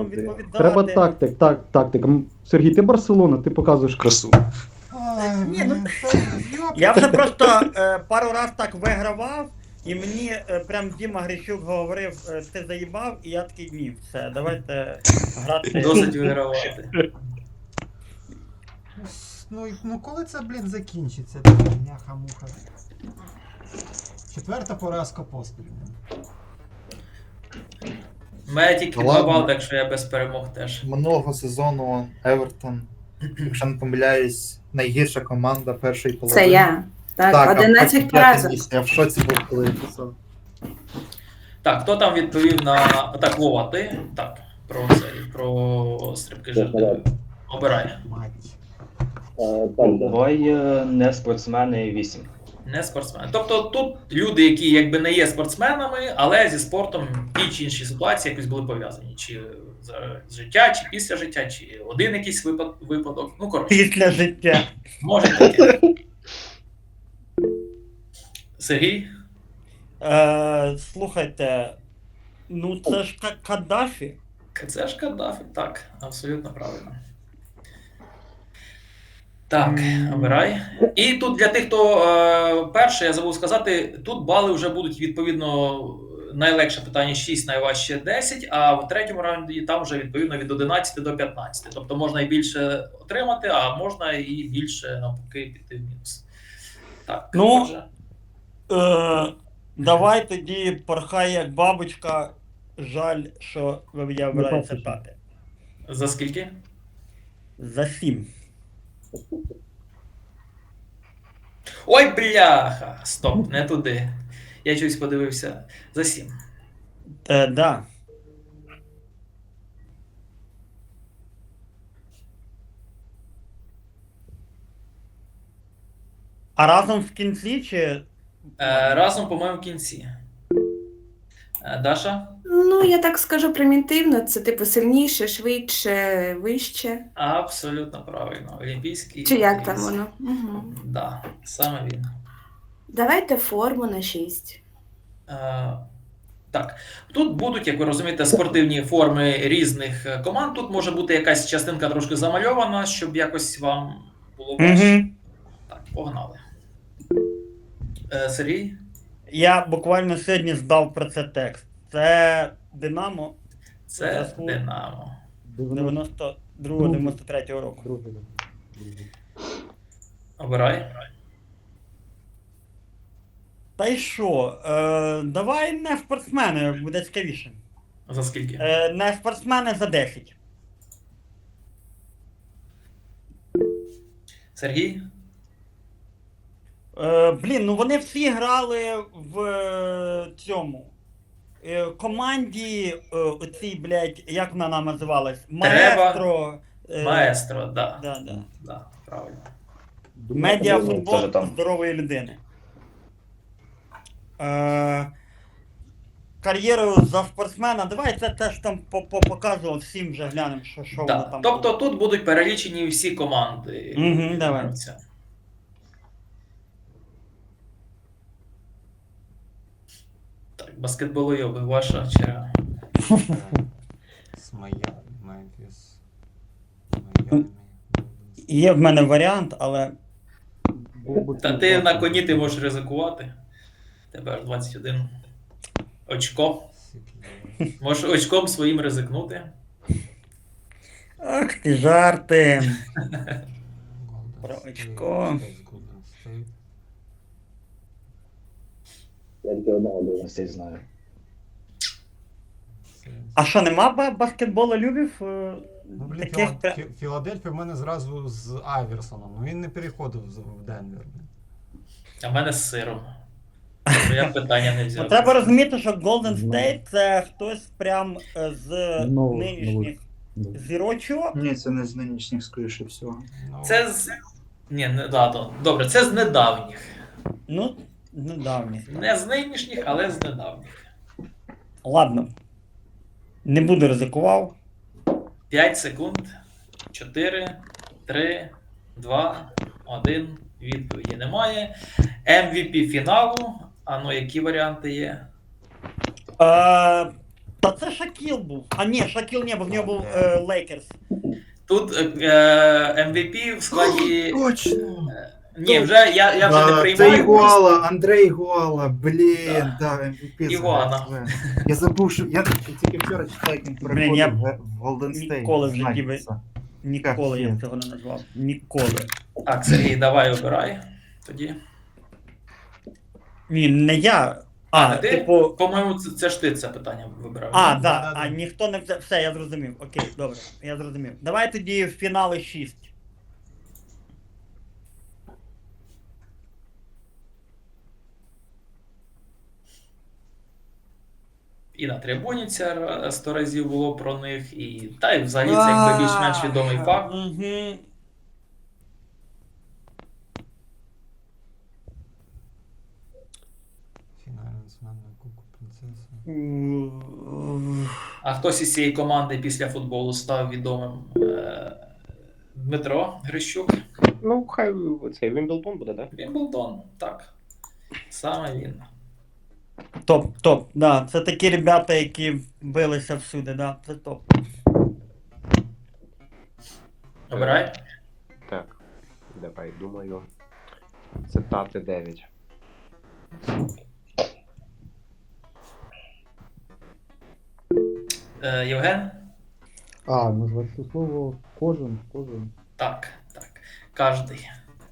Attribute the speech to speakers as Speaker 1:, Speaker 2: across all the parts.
Speaker 1: разом відповідати.
Speaker 2: Треба тактик. Сергій, ти Барселона, ти показуєш красу.
Speaker 1: Ні, ну, я вже просто пару раз так вигравав, і мені прям Діма Грищук говорив, ти заїбав, і я такий, ні, все, давайте грати.
Speaker 3: Досить вигравати.
Speaker 4: Ну коли це, блін, закінчиться? Няха-муха. 4-та поразка поспіль.
Speaker 3: У мене тільки
Speaker 5: Ну,
Speaker 3: 2
Speaker 5: ладно.
Speaker 3: бали, так що я без перемог теж.
Speaker 5: Минулого сезону Евертон, якщо не помиляюсь, найгірша команда першої половини.
Speaker 6: Це я. Так,
Speaker 5: Так,
Speaker 6: 11
Speaker 5: а потім
Speaker 6: поразок.
Speaker 5: місце. Я в шоці був, коли я писав.
Speaker 3: Так, хто там відповів на. Так, Вова, ти? Так, про стрибки жердини. Обирай.
Speaker 4: Мать.
Speaker 7: Давай не спортсмени 8.
Speaker 3: Не спортсмени. Тобто тут люди, які якби не є спортсменами, але зі спортом в тій чи іншій ситуації якось були пов'язані. Чи за життя, чи після життя, чи один якийсь випадок. Ну, коротше,
Speaker 1: Після життя.
Speaker 3: може таке. Сергій?
Speaker 1: Слухайте, ну це ж Каддафі.
Speaker 3: Це ж Каддафі, так, абсолютно правильно. Так, обирай. І тут для тих, хто перший, я забув сказати, тут бали вже будуть відповідно найлегше питання 6, найважче 10, а в третьому раунді там вже відповідно від 11 до 15. Тобто можна і більше отримати, а можна і більше навпаки піти в мінус. Так,
Speaker 1: Ну,
Speaker 3: отже.
Speaker 1: Давай тоді порхай як бабочка. Жаль, що я вибираю це п'яте.
Speaker 3: За скільки?
Speaker 1: За 7.
Speaker 3: Ой, бляха! Стоп, не туди. Я щось подивився. За 7.
Speaker 1: Да. А разом в кінці чи.
Speaker 3: Разом, по-моєму, в кінці. Даша?
Speaker 6: Ну, я так скажу примітивно, це типу сильніше, швидше, вище.
Speaker 3: Абсолютно правильно. Олімпійський.
Speaker 6: Чи як там
Speaker 3: віз.
Speaker 6: воно? Угу.
Speaker 3: Да, саме він.
Speaker 6: Давайте форму на 6.
Speaker 3: Так, тут будуть, як ви розумієте, спортивні форми різних команд. Тут може бути якась частинка трошки замальована, щоб якось вам було важче.
Speaker 1: Угу.
Speaker 3: Так, погнали. Сергій?
Speaker 1: Я буквально сьогодні здав про це текст. Це Динамо
Speaker 3: Це
Speaker 1: Заслуг.
Speaker 3: Динамо.
Speaker 1: 92-93 року.
Speaker 2: Другий.
Speaker 3: Обирай.
Speaker 1: Та й що? Давай не спортсмени, буде цікавіше.
Speaker 3: За скільки?
Speaker 1: Не спортсмени за 10.
Speaker 3: Сергій?
Speaker 1: Блін, ну вони всі грали в цьому. Команді оцій, блядь, як вона нам називалась? Маестро.
Speaker 3: Маестро, да.
Speaker 1: Да.
Speaker 3: Да, правильно.
Speaker 1: Медіафутбол
Speaker 7: Теж там.
Speaker 1: здорової людини. Кар'єру за спортсмена. Давай це теж там показував всім вже глянемо, що воно
Speaker 3: Да.
Speaker 1: там.
Speaker 3: Тобто тут будуть перелічені всі команди.
Speaker 1: Угу, давай.
Speaker 3: гравця. Так, баскетболойоби, ваша черга.
Speaker 4: Смая, Мемфіс. Майами.
Speaker 1: Є в мене варіант, але.
Speaker 3: Та ти на коні ти можеш ризикувати. Тебе аж 21 очко.
Speaker 4: Сіклі.
Speaker 3: Можеш очком своїм ризикнути.
Speaker 1: Ах ти жарти.
Speaker 4: Голден
Speaker 1: Про
Speaker 4: Стейт,
Speaker 1: очко.
Speaker 4: Голден Стейт.
Speaker 7: Я тільки одного дивностей знаю.
Speaker 1: А що, нема баскетболу любів?
Speaker 4: Ну, блін,
Speaker 1: Таких...
Speaker 4: Філадельфія в мене зразу з Айверсоном. Ну він не переходив в Денвер.
Speaker 3: А в мене з сиром. Тобто я питання не взяв.
Speaker 1: Треба розуміти, що Golden State це хтось прям з нинішніх зірочок.
Speaker 5: Ні, це не з нинішніх, скоріше всього.
Speaker 4: Ну,
Speaker 3: Це з. Ні, не да. Добре, це з недавніх.
Speaker 1: Ну, недавні.
Speaker 3: Не з нинішніх, але з недавніх.
Speaker 1: Ладно. Не буду ризикував.
Speaker 3: 5 секунд. 4, 3, 2, 1. Відповіді немає. MVP фіналу. А ну, які варіанти є?
Speaker 1: Та це Шакіл був. А ні, Шакіл не був, в нього був Лейкерс.
Speaker 3: Тут MVP в складі.
Speaker 5: Точно!
Speaker 3: Ні, вже я вже не
Speaker 5: Це
Speaker 3: приймаю.
Speaker 5: Ігуала, Андрей Ігуала, блін, да, MVP.
Speaker 3: Ігуана.
Speaker 5: Я забув, що я тільки вчора читав, як він
Speaker 1: Блін, я
Speaker 5: переходив в Golden State.
Speaker 1: ніколи в житті
Speaker 5: Знаєте це.
Speaker 1: Ніколи я
Speaker 5: Капець.
Speaker 1: цього не назвав. Ніколи.
Speaker 3: Так, Сергій, давай обирай. Тоді.
Speaker 1: Ні, не я.
Speaker 3: А, ти?
Speaker 1: типу.
Speaker 3: По-моєму, це ж ти це питання вибирав.
Speaker 1: А,
Speaker 3: ні?
Speaker 1: да.
Speaker 4: Да-да-да.
Speaker 1: А ніхто не взяв. Все, я зрозумів. Окей, добре, я зрозумів. Давай тоді в фінали 6.
Speaker 3: І на трибуні це 100 разів було про них, і та й взагалі це якби більш-менш відомий факт.
Speaker 1: Угу.
Speaker 4: Фінальний зман на Кубку принцеси.
Speaker 3: А хтось із цієї команди після футболу став відомим? Дмитро Грищук.
Speaker 8: Ну, хай цей Вімблдон буде, да?
Speaker 3: Вімблдон, так. Саме він.
Speaker 1: Топ. Да, це такі ребята, які билися всюди, да, це топ.
Speaker 3: Обирай.
Speaker 8: Так. Давай, думаю. Цитати 9.
Speaker 3: Євген?
Speaker 2: Назвати це слово кожен.
Speaker 3: Так. Кожний.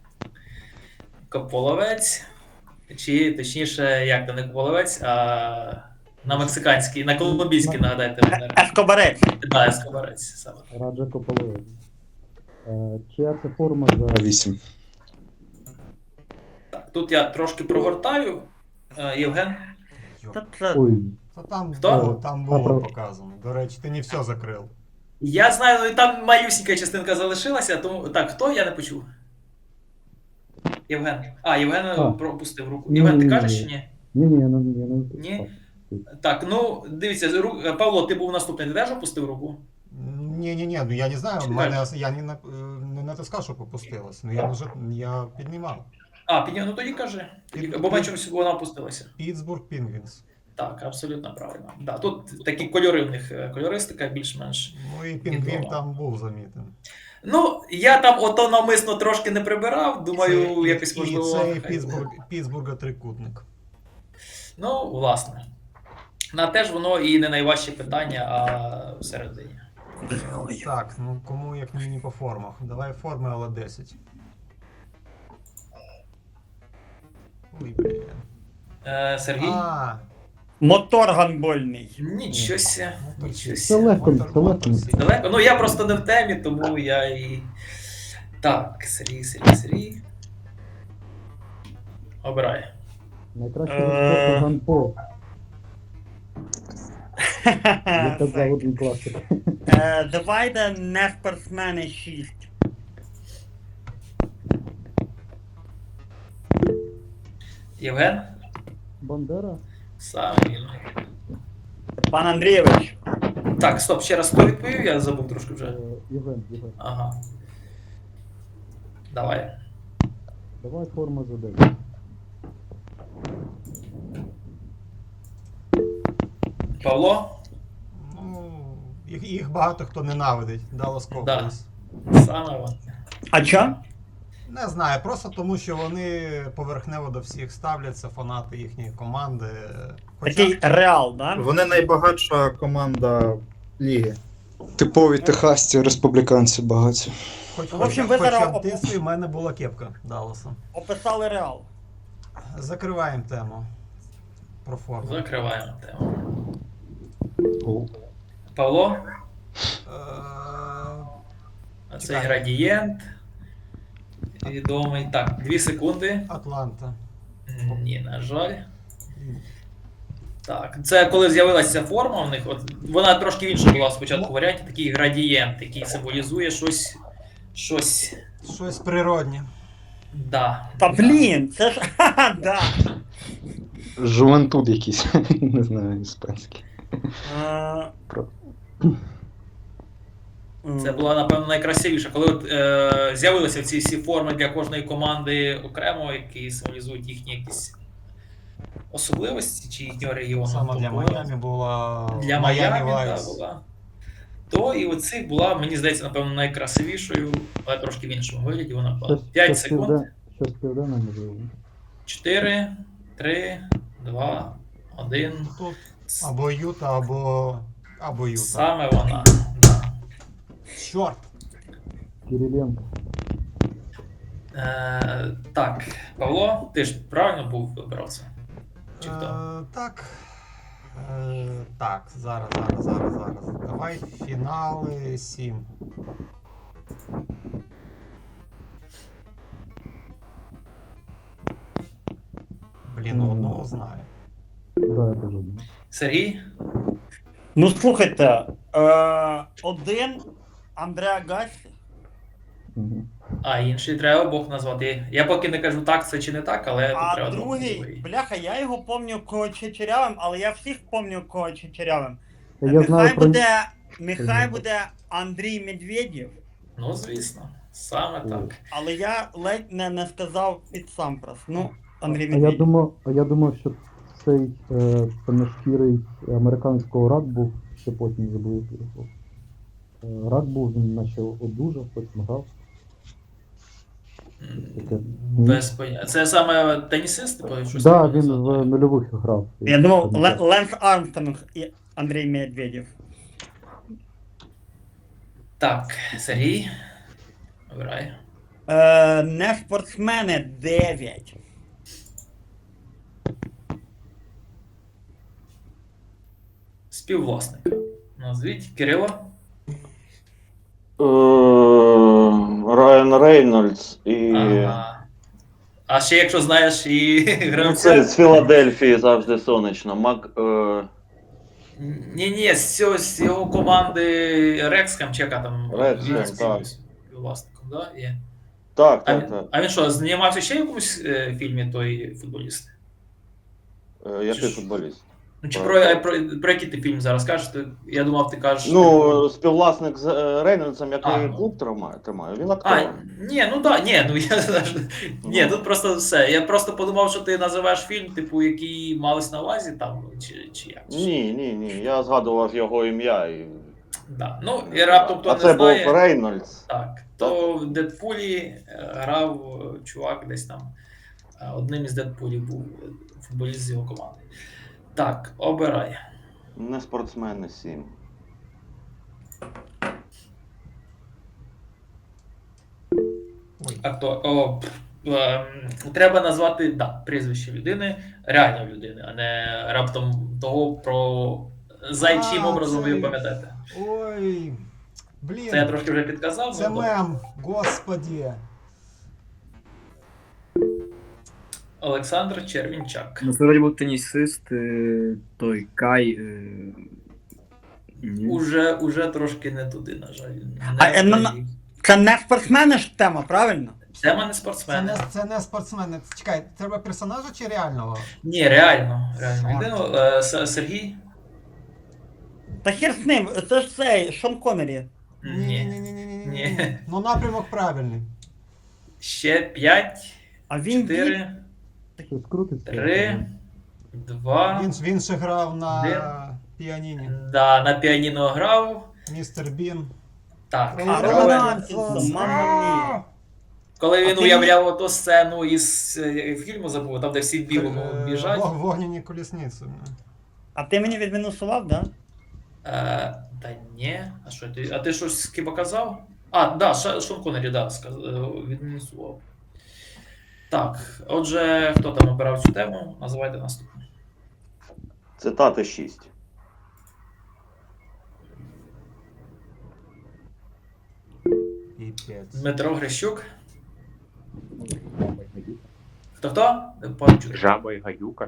Speaker 3: Кополовець. Чи точніше, як то не кополовець, а на мексиканський, на колумбійський, нагадайте мене.
Speaker 1: Ескобарець.
Speaker 3: Да, ескобарець саме.
Speaker 2: Раджа Кополовець. Чия це форма за 8?
Speaker 3: Так, тут я трошки прогортаю. Євген.
Speaker 1: Та це...
Speaker 2: Ой,
Speaker 4: Та там
Speaker 3: Хто?
Speaker 4: було, там було показано. До речі, ти не все закрив.
Speaker 3: Я знаю, ну, там малюсінька частинка залишилася, тому. Так, хто? Я не почув. Євген. Євген пропустив руку. Євген, ти кажеш чи ні?
Speaker 2: ні, я не
Speaker 3: Ні? Так, ну дивіться, Павло, ти був наступний, ти теж опустив руку?
Speaker 4: Ні, ну я не знаю,
Speaker 3: Чи
Speaker 4: я не натискав, що попустилось. Ну я піднімав.
Speaker 3: Ну тоді кажи. Бо ми чомусь вона опустилася.
Speaker 4: Pittsburgh Penguins.
Speaker 3: Так, абсолютно правильно. Да, тут такі кольори в них, кольористика більш-менш.
Speaker 4: Ну і Пінгвін там був замітен.
Speaker 3: Ну, я там ото навмисно трошки не прибирав, думаю, якось можливо.
Speaker 4: І це
Speaker 3: хай буде.
Speaker 4: Pittsburgh трикутник.
Speaker 3: Ну, власне. На теж воно і не найважче питання, а всередині.
Speaker 4: Так, ну кому як мені по формах. Давай форми, але 10. Ой, блін.
Speaker 3: Сергій?
Speaker 1: Мотор гандбольний.
Speaker 3: Нічого ся.
Speaker 2: Це легко.
Speaker 3: Далеко. Ну я просто не в темі, тому я і. Так, Сергій. Обирай.
Speaker 2: Найкраще спорту гандбол. Я казав один класик.
Speaker 1: Давайте не спортсмени 6.
Speaker 3: Євген?
Speaker 2: Бандера?
Speaker 3: Саме він.
Speaker 1: Пан Андрійович.
Speaker 3: Так, стоп, ще раз хто відповів, я забув трошки вже.
Speaker 2: Євген.
Speaker 3: Ага. Давай.
Speaker 2: Давай форма за 9.
Speaker 3: Павло?
Speaker 4: Ну, їх багато хто ненавидить. Dallas Cowboys.
Speaker 3: Саме він.
Speaker 1: А чо?
Speaker 4: Не знаю, просто тому, що вони поверхнево до всіх ставляться, фанати їхньої команди.
Speaker 1: Такий реал, да?
Speaker 5: Вони найбагатша команда ліги.
Speaker 9: Типові техасці, республіканці багаті.
Speaker 1: В общем, ви зараз
Speaker 4: в дитинстві в мене була кепка Далласа.
Speaker 1: Описали реал.
Speaker 4: Закриваємо тему про форму.
Speaker 3: Закриваємо тему. Павло? Цей
Speaker 4: Чекай.
Speaker 3: градієнт. Відомий. Так, 2 секунди.
Speaker 4: Атланта.
Speaker 3: Ні, на жаль. Так, це коли з'явилася форма в них, от вона трошки інша була спочатку в варіанті, такий градієнт, який символізує щось.
Speaker 4: Щось природнє.
Speaker 3: Да.
Speaker 1: Та блін, це ж. Ха-ха, да.
Speaker 9: Жувентуд якийсь, не знаю, іспанський.
Speaker 3: Це була, напевно, найкрасивіша. Коли от, з'явилися ці всі форми для кожної команди окремо, які символізують їхні якісь особливості чи їхнього регіону.
Speaker 4: Саме для
Speaker 3: Тобто,
Speaker 4: Майамі була
Speaker 3: для Майамі
Speaker 4: Вайс.
Speaker 3: була. То і оцих була, мені здається, напевно, найкрасивішою, але трошки в іншому вигляді вона була. 5 секунд.
Speaker 2: Щось південне, можливо.
Speaker 3: 4, 3, 2, 1.
Speaker 4: Тут або Юта, або Юта.
Speaker 3: Саме вона. Да.
Speaker 4: Чорт!
Speaker 2: Кириленко.
Speaker 3: Так, Павло, ти ж правильно був вибрав це? Чи хто?
Speaker 4: Так. Так, зараз. Давай фінали 7. Блін, одного знаю.
Speaker 2: Да, я теж думаю.
Speaker 3: Сергій?
Speaker 1: Ну слухайте, один Андреа Гасі.
Speaker 2: Мгм.
Speaker 3: А інший треба обох назвати. Я поки не кажу так, це чи не так, але тут
Speaker 1: А
Speaker 3: треба
Speaker 1: другий,
Speaker 3: другий.
Speaker 1: бляха, я його пам'ятаю кого Чечерявим, але я всіх пам'ятаю кого Чечерявим.
Speaker 2: Я знаю про...
Speaker 1: Нехай буде Андрій Медведєв,
Speaker 3: Ну, звісно, саме так.
Speaker 1: але я ледь не сказав під Сампрос. Ну, Андрій
Speaker 2: А я
Speaker 1: Медведєв.
Speaker 2: думав, що цей темношкірий американського рак був, ще потім забув його. Рак був, він наче одужав, потім грав. Таке.
Speaker 3: Без поняття. Це саме тенісист, типу, щось
Speaker 2: Да,
Speaker 3: таке
Speaker 2: він
Speaker 3: назвати?
Speaker 2: в нульових грав.
Speaker 1: Я думав, Ленс Армстронг і Андрій Медведєв.
Speaker 3: Так, Сергій. Обирай.
Speaker 1: Не спортсмени 9.
Speaker 3: Співвласник. Назвіть Кирило.
Speaker 10: Райан Рейнольдс і.
Speaker 3: Ага. А ще якщо знаєш і
Speaker 10: Ну, це
Speaker 3: гравця.
Speaker 10: з Філадельфії завжди сонячно.
Speaker 3: Ні, з його команди Рекскам, чи яка там
Speaker 10: Рекскам,
Speaker 3: він
Speaker 10: так.
Speaker 3: співвласником, да? Є.
Speaker 10: Так,
Speaker 3: А,
Speaker 10: так, так.
Speaker 3: а він що, знімався ще в якомусь фільмі той футболіст?
Speaker 10: Який футболіст?
Speaker 3: Ну, чи про який ти фільм зараз кажеш? Я думав, ти кажеш.
Speaker 10: Ну, співвласник з Рейнольдсом, який
Speaker 3: А, ну.
Speaker 10: клуб тримає. Він
Speaker 3: А,
Speaker 10: актор.
Speaker 3: ні, ну так, ні, ну я ні, тут просто все. Я просто подумав, що ти називаєш фільм, типу, який малось на увазі там, чи як.
Speaker 10: Ні. Я згадував його ім'я.
Speaker 3: Да. Ну, і раптом хто
Speaker 10: А
Speaker 3: не
Speaker 10: це
Speaker 3: знає.
Speaker 10: був Рейнольдс.
Speaker 3: Так, то в Дедпулі грав чувак десь там. Одним із Дедпулів був футболіст з його команди. Так, обирай.
Speaker 10: Не спортсмени 7.
Speaker 3: А хто? Треба назвати прізвище людини, реально людини, а не раптом того, про зайчим образом ви пам'ятаєте.
Speaker 4: Ой, блін.
Speaker 3: Це я трошки вже підказав.
Speaker 4: Це
Speaker 3: ну,
Speaker 4: мем, господі.
Speaker 3: Олександр Червінчак.
Speaker 11: Ну, це вроді був тенісист, той Кай. Ні.
Speaker 3: Уже трошки не туди, на жаль.
Speaker 1: Це не спортсмени ж тема, правильно?
Speaker 3: Тема не спортсмени.
Speaker 4: Це не спортсмени. Чекай, треба персонажа чи реального?
Speaker 3: Ні, реально. Людину. Сергій?
Speaker 1: Та хер з ним, це ж цей Шон Коннері.
Speaker 3: Ні.
Speaker 4: Ні. Ну напрямок правильний.
Speaker 3: Ще 5,
Speaker 1: А він
Speaker 3: 4,
Speaker 2: Щось крутиться.
Speaker 3: 3, 2.
Speaker 4: Він ще грав на
Speaker 3: Один.
Speaker 4: піаніні.
Speaker 3: Да, на піаніно грав.
Speaker 4: Містер Бін.
Speaker 3: Так.
Speaker 1: А Романсон, мамма мія.
Speaker 3: Коли він
Speaker 1: А ти
Speaker 3: уявляв ту сцену із фільму забув, там де всі в білому біжать.
Speaker 4: Вогняні колісниці.
Speaker 1: А ти мені відмінусував, да?
Speaker 3: Та ні. А що ти? А ти щось хіба казав? А, да, Шон Коннері, да, відмінусував. Так, отже, хто там обирав цю тему? Називайте наступну.
Speaker 10: Цитати 6.
Speaker 4: Піпець.
Speaker 3: Дмитро Грищук. Хто? Не почув.
Speaker 8: Жаба і гадюка.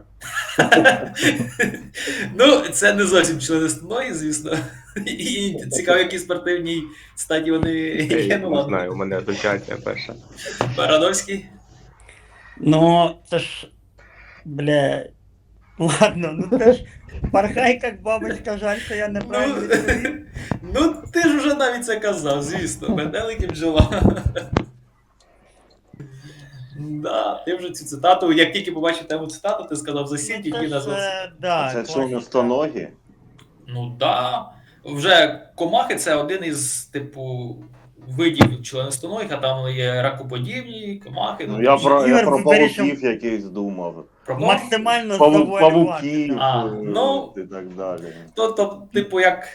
Speaker 3: Ну, це не зовсім члениственної, звісно. І цікаво, які спортивній статі вони є. Ну,
Speaker 8: Не
Speaker 3: ладно.
Speaker 8: знаю, у мене асоціація перша.
Speaker 3: Барановський.
Speaker 1: Ну, це ж. Бля. Ладно, ну це ж. Порхай, як бабочка, жаль, що я неправильно відповів.
Speaker 3: Ну, ти ж вже навіть це казав, звісно. Метелики бджола. Да, ти вже цю цитату, як тільки побачив тему цитату, ти сказав за 7, тільки назвав.
Speaker 10: Це членостоногі?
Speaker 3: Ну да. Вже комахи це один із типу видів членистоногих, а там є ракоподібні, комахи.
Speaker 10: Ну, я про
Speaker 1: Ігор вирішив-
Speaker 10: павуків якийсь думав.
Speaker 3: Про кого?
Speaker 1: Максимально завуалювати.
Speaker 10: Павуків
Speaker 3: ну,
Speaker 10: і так далі.
Speaker 3: То, типу, як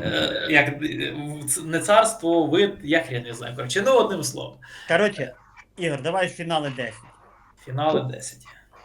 Speaker 3: не царство, вид, я хрен не знаю. Коротше, ну одним словом.
Speaker 1: Коротше, Ігор, давай фінали 10.
Speaker 3: Фінали 10.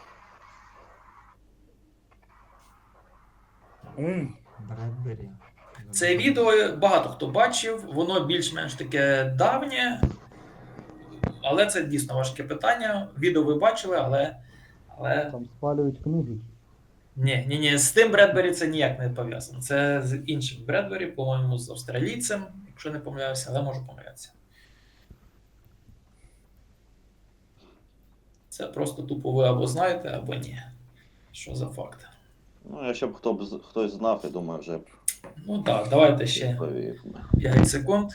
Speaker 4: Бредбері.
Speaker 3: Це відео багато хто бачив, воно більш-менш таке давнє, але це дійсно важке питання. Відео ви бачили, але
Speaker 2: Там спалюють книжечки.
Speaker 3: ні, з тим Бредбері це ніяк не пов'язано. Це з іншим Бредбері, по-моєму, з австралійцем, якщо не помиляюся, але можу помилятися. Це просто тупо ви або знаєте, або ні. Що за факт?
Speaker 10: Ну, якщо б хтось знав, я думаю, вже б
Speaker 3: Ну так, давайте ще
Speaker 10: відповів.
Speaker 3: 5 секунд.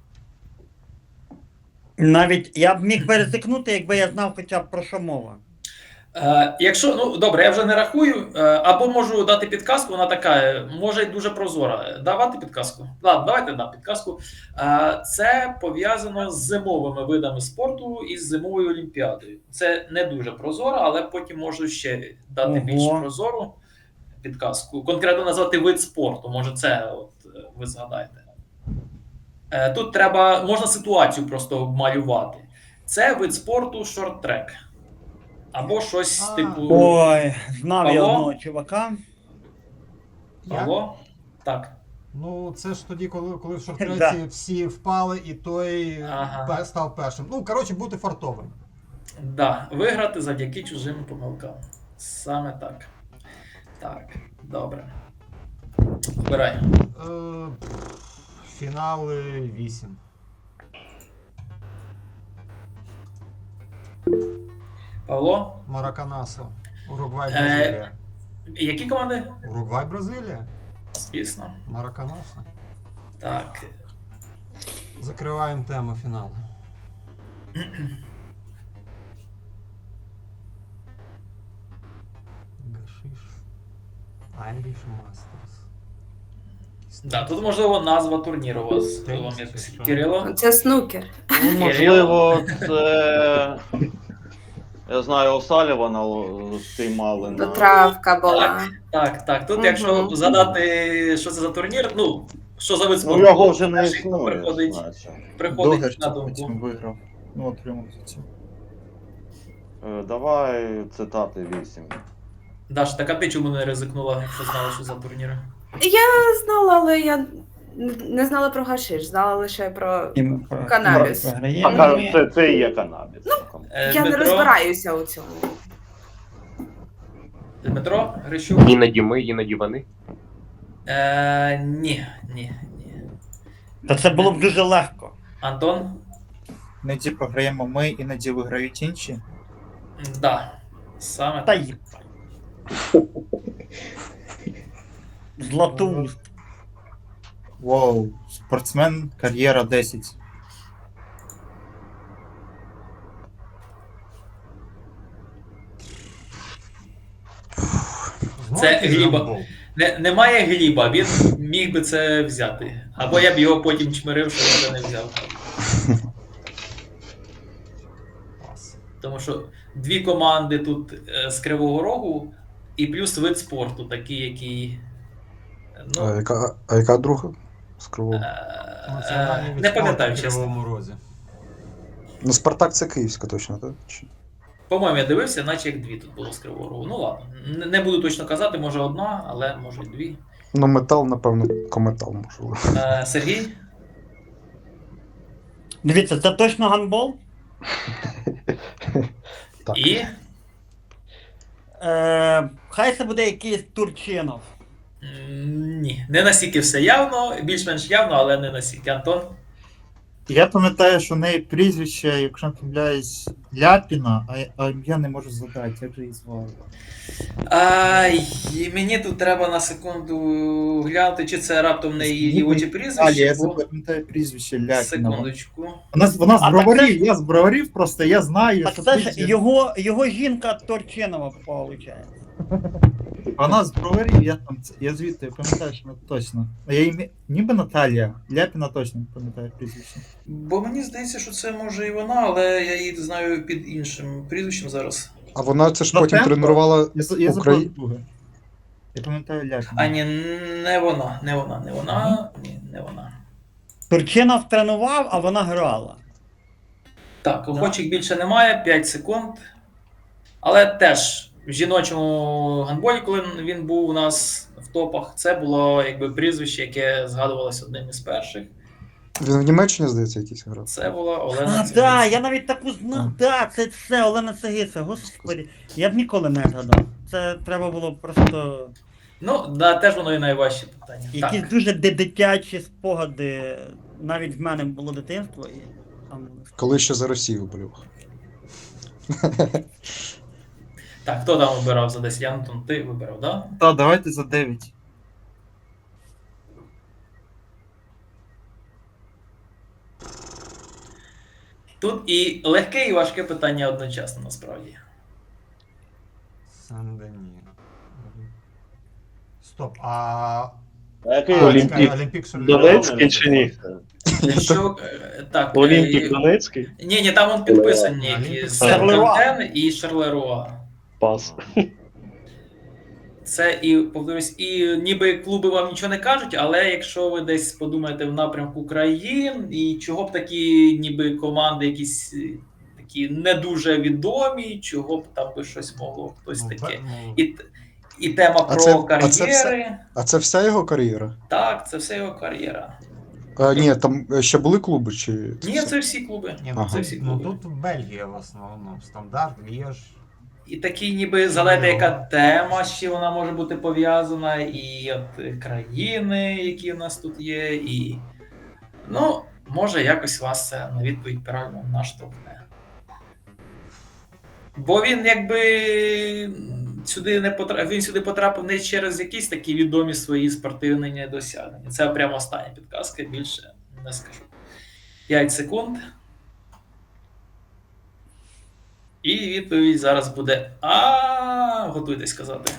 Speaker 1: Навіть я б міг пересикнути, якби я знав хоча б про що мова.
Speaker 3: Якщо, ну добре, я вже не рахую, або можу дати підказку, вона така, може й дуже прозора. Давати підказку? Ладно, давайте підказку. Це пов'язано з зимовими видами спорту і з зимовою олімпіадою. Це не дуже прозоро, але потім можу ще дати
Speaker 1: Ого.
Speaker 3: більш прозору підказку. Конкретно назвати вид спорту, може це от ви згадаєте. Тут треба, можна ситуацію просто малювати. Це вид спорту шорт-трек. Або щось типу.
Speaker 1: Ой, знав я
Speaker 3: Павло?
Speaker 1: одного чувака.
Speaker 3: Павло? Так.
Speaker 4: Ну, це ж тоді, коли в
Speaker 1: Да.
Speaker 4: шортреці всі впали, і той
Speaker 3: Ага.
Speaker 4: став першим. Ну, коротше, бути фартовим.
Speaker 3: Да, виграти завдяки чужим помилкам. Саме так. Так, добре. Обирай.
Speaker 4: Фінали 8.
Speaker 3: Павло?
Speaker 4: Мараканасо. Уругвай, Бразилія.
Speaker 3: Які команди?
Speaker 4: Уругвай, Бразилія.
Speaker 3: Звісно.
Speaker 4: Мараканасо.
Speaker 3: Так.
Speaker 4: Закриваємо тему фіналу. Гашиш. Irish Masters.
Speaker 3: Да, тут можливо назва турніру у вас.
Speaker 4: Теніс,
Speaker 3: Вам якось.
Speaker 4: що?
Speaker 3: Кирило?
Speaker 6: Це снукер.
Speaker 10: Ну, можливо, це. Я знаю, Осалівана спіймали
Speaker 6: То
Speaker 10: на.
Speaker 6: травка була.
Speaker 3: Так. Тут,
Speaker 6: Мгм.
Speaker 3: якщо задати, що це за турнір, ну, що за вид
Speaker 10: Ну,
Speaker 3: спорту,
Speaker 10: його вже не
Speaker 3: перший, хто
Speaker 10: існує.
Speaker 3: приходить
Speaker 10: значить.
Speaker 3: приходить на
Speaker 5: потім
Speaker 3: думку.
Speaker 5: виграв. Ну, отримав за це.
Speaker 10: Давай цитати 8.
Speaker 3: Даш, так а ти чому не ризикнула, якщо знала, що за турніри?
Speaker 6: Я знала, але я не знала про гашиш, знала лише про. Канабіс.
Speaker 10: Це і є канабіс.
Speaker 6: Я не розбираюся у цьому.
Speaker 3: Дмитро Грищук?
Speaker 8: Іноді ми, іноді вони.
Speaker 3: Ні.
Speaker 1: Та це було б дуже легко.
Speaker 3: Антон?
Speaker 5: Іноді програємо ми, іноді виграють інші.
Speaker 3: Да. Саме
Speaker 1: Та
Speaker 3: так.
Speaker 1: їбать. Златоуст.
Speaker 5: Воу, спортсмен, кар'єра 10.
Speaker 4: Знову
Speaker 3: Це
Speaker 4: якийсь
Speaker 3: Гліба.
Speaker 4: гандбол.
Speaker 3: Немає Гліба, він міг би це взяти. Або я б його потім чмирив, що він це не взяв.
Speaker 4: Клас.
Speaker 3: Тому що дві команди тут з Кривого Рогу і плюс вид спорту, такий, який. Ну,
Speaker 9: яка друга? З Кривого?
Speaker 4: Національний від
Speaker 3: не
Speaker 4: спорту
Speaker 3: пам'ятаю,
Speaker 4: в
Speaker 3: чесно.
Speaker 4: Кривому Розі.
Speaker 9: Ну, Спартак це Київська точно, так?
Speaker 3: По-моєму, я дивився, наче як дві тут було з Кривого Рогу. Ну ладно, не буду точно казати, може одна, але може й дві.
Speaker 9: Ну, метал, напевно, кометал, можливо.
Speaker 3: Сергій?
Speaker 1: Дивіться, це точно гандбол?
Speaker 9: Так.
Speaker 3: І?
Speaker 1: Хай це буде якийсь Турчинов.
Speaker 3: Ні, не настільки все явно, більш-менш явно, але не настільки. Антон?
Speaker 5: Я пам'ятаю, що в неї прізвище, якщо не помиляюсь, Ляпіна, а я не можу згадати, як же її звали.
Speaker 3: Ай, мені тут треба на секунду глянути, чи це раптом не її дівоче
Speaker 5: Алі,
Speaker 3: прізвище,
Speaker 5: я
Speaker 3: бо
Speaker 5: запам'ятаю прізвище Ляпіна.
Speaker 3: секундочку.
Speaker 5: Вона з
Speaker 1: А,
Speaker 5: броварів,
Speaker 1: так це-
Speaker 5: я з броварів просто, я знаю,
Speaker 1: Так
Speaker 5: що
Speaker 1: це ж
Speaker 5: ти-
Speaker 1: його жінка Торчинова, виходить.
Speaker 5: Вона з броварів, я звідти пам'ятаю, що вона точно. А я її ніби Наталія, Ляпіна точно не пам'ятаю прізвище.
Speaker 3: Бо мені здається, що це може і вона, але я її знаю під іншим прізвищем зараз.
Speaker 9: А вона це ж
Speaker 5: Ну,
Speaker 9: потім
Speaker 5: темпо.
Speaker 9: тренувала
Speaker 5: Я
Speaker 9: Україну.
Speaker 5: забув друге. Я пам'ятаю Ляпіна.
Speaker 3: А ні, не вона. Ні, не вона.
Speaker 1: Турчинов тренував, а вона грала.
Speaker 3: Так, охочих більше немає, 5 секунд. Але теж в жіночому гандболі, коли він був у нас в топах, це було якби прізвище, яке згадувалося одним із перших.
Speaker 9: Він в Німеччині, здається, якийсь грав.
Speaker 3: Це була Олена
Speaker 1: А,
Speaker 3: Цигицька.
Speaker 1: так, я навіть таку знав. Так, це Олена Цигиця, господи. Я б ніколи не згадав. Це треба було просто
Speaker 3: Ну, да, теж воно і найважче питання.
Speaker 1: якісь
Speaker 3: Так.
Speaker 1: дуже дитячі спогади. Навіть в мене було дитинство і там.
Speaker 9: Коли ще за Росію болював.
Speaker 3: Так, хто там вибирав за 10? Антон, ти вибирав, так? Да?
Speaker 5: Та, давайте за 9.
Speaker 3: Тут і легке, і важке питання одночасно, насправді.
Speaker 4: Сен-Дені. Стоп, а...
Speaker 10: А який
Speaker 8: Олімпік.
Speaker 4: Олімпік Шарль
Speaker 8: Донецький чи ні?
Speaker 3: Що, так,
Speaker 8: Олімпік Донецький?
Speaker 3: Ні, там он підписані
Speaker 4: Олімпік.
Speaker 3: якісь
Speaker 1: Шарлеруа.
Speaker 3: Сен-Кантен і Шарлеруа.
Speaker 8: Пас.
Speaker 3: Це і, повторюсь, і ніби клуби вам нічого не кажуть, але якщо ви десь подумаєте в напрямку країн, і чого б такі ніби команди якісь такі не дуже відомі, чого б там би щось могло хтось таке. І тема
Speaker 9: А
Speaker 3: про
Speaker 9: це-
Speaker 3: кар'єри.
Speaker 9: А це вся його кар'єра?
Speaker 3: Так, це все його кар'єра.
Speaker 9: Ні, там ще були клуби, чи.
Speaker 3: Ні, це всі клуби.
Speaker 4: Ні,
Speaker 9: Ага.
Speaker 3: Це всі
Speaker 4: ну
Speaker 3: клуби.
Speaker 4: тут Бельгія в основному. Стандарт, Лєж.
Speaker 3: І такі ніби залежить, яка тема ще вона може бути пов'язана, і от країни, які в нас тут є, і ну, може якось вас це на відповідь правильно наштовхне. Бо він якби сюди не потрапив, він сюди потрапив не через якісь такі відомі свої спортивні досягнення. Це прямо остання підказка, більше не скажу. 5 секунд. І відповідь зараз буде готуйтесь сказати.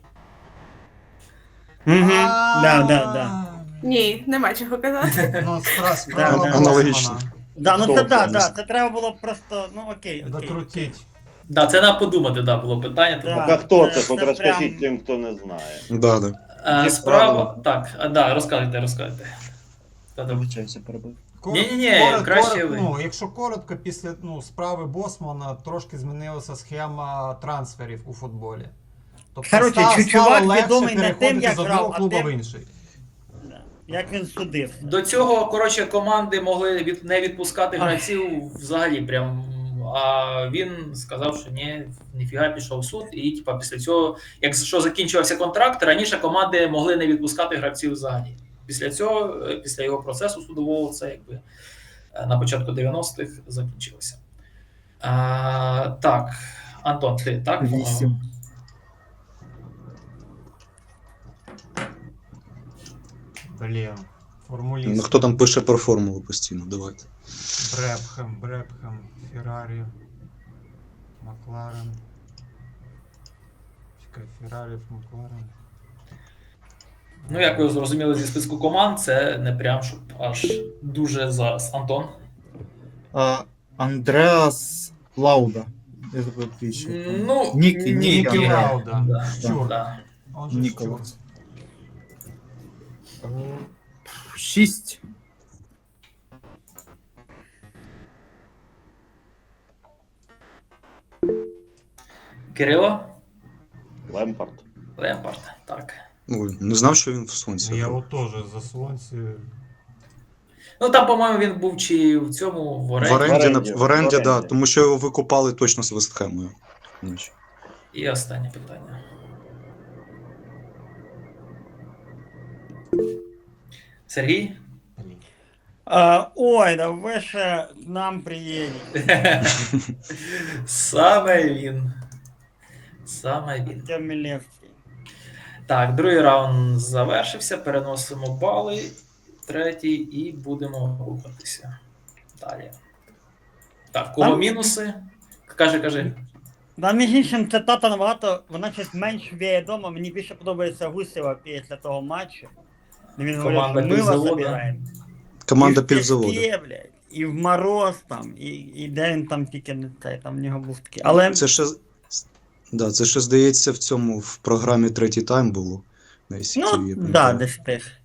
Speaker 1: Угу. Да.
Speaker 6: Ні, нема чого казати.
Speaker 4: Ну, справа
Speaker 1: Да,
Speaker 9: аналогічно.
Speaker 4: Босмана.
Speaker 1: Да, ну
Speaker 8: Хто
Speaker 1: це
Speaker 8: це?
Speaker 1: да, це треба було просто, ну окей.
Speaker 4: Докрутіть.
Speaker 3: Да, це на подумати, да, було питання. Тому,
Speaker 1: Да.
Speaker 10: А хто
Speaker 1: це
Speaker 10: це? От
Speaker 1: прям-
Speaker 10: розкажіть тим, хто не знає.
Speaker 9: Да, да.
Speaker 5: Є
Speaker 3: справа.
Speaker 5: правила.
Speaker 3: Так, да, розказуйте. Та-да.
Speaker 5: Вибачаюся, перебив.
Speaker 3: Ні, краще ви.
Speaker 4: Ну, якщо коротко, після справи Босмана трошки змінилася схема трансферів у футболі. Тобто
Speaker 1: Коротше,
Speaker 4: стало
Speaker 1: чувак
Speaker 4: легше
Speaker 1: відомий не тим,
Speaker 4: переходити
Speaker 1: як
Speaker 4: з одного
Speaker 1: грав, а
Speaker 4: клубу
Speaker 1: тим-
Speaker 4: в інший.
Speaker 1: Да. Як він судив.
Speaker 3: До цього, коротше, команди могли не відпускати гравців взагалі прям. А він сказав, що ніфіга пішов в суд, і типа після цього, якщо закінчувався контракт, раніше команди могли не відпускати гравців взагалі. Після цього, після його процесу судового, це якби на початку 90-х закінчилося. Так, Антон, ти так?
Speaker 5: 8.
Speaker 4: Блін, формуліст.
Speaker 9: Ну хто там пише про формулу постійно, давайте.
Speaker 4: Бребхем, Феррарі, Макларен. Чекай, Феррарі, Макларен.
Speaker 3: Ну, як ви зрозуміли зі списку команд, це не прям щоб аж дуже зараз. Антон?
Speaker 5: Андреас Лауда. Я забув прізвище.
Speaker 3: Ну,
Speaker 4: Нікі Лауда.
Speaker 3: Да,
Speaker 4: Щур.
Speaker 3: да.
Speaker 4: Он же Щур.
Speaker 5: Ніколас. 6.
Speaker 3: Кирило?
Speaker 10: Лемпард.
Speaker 3: Лемпард, так.
Speaker 9: Ой, не знав, що він в сонці.
Speaker 4: Я
Speaker 9: грав.
Speaker 4: от теж за Слонці.
Speaker 3: Ну там, по-моєму, він був чи в цьому в
Speaker 9: В
Speaker 3: оренді.
Speaker 9: оренді,
Speaker 10: В оренді.
Speaker 9: да, тому що його викупали точно з Вестхемою.
Speaker 3: І останнє питання. Сергій?
Speaker 4: Блін.
Speaker 1: Ой, да ви ще к нам приїдете.
Speaker 3: Саме він. Саме він.
Speaker 1: Артем Мілевський.
Speaker 3: Так, другий раунд завершився. Переносимо бали. Третій і будемо рухатися. Далі. Так, кого
Speaker 1: Там-
Speaker 3: мінуси? Кажи.
Speaker 1: Да, між іншим, цитата набагато, вона щось менш відома. Мені більше подобається Гусєва після того матчу. Де він говорив,
Speaker 3: Команда
Speaker 1: що ми вас
Speaker 3: півзавода.
Speaker 1: забираємо.
Speaker 9: Команда
Speaker 1: І в
Speaker 9: півзаводу.
Speaker 1: піске, блядь, і в мороз там, і де він там тільки не цей, там в нього був такий. Але
Speaker 9: Це ще. Да, це ще здається в цьому в програмі третій тайм було. На ICTV,
Speaker 1: ну,
Speaker 9: я
Speaker 1: да,
Speaker 9: пам'ятаю.
Speaker 1: десь теж.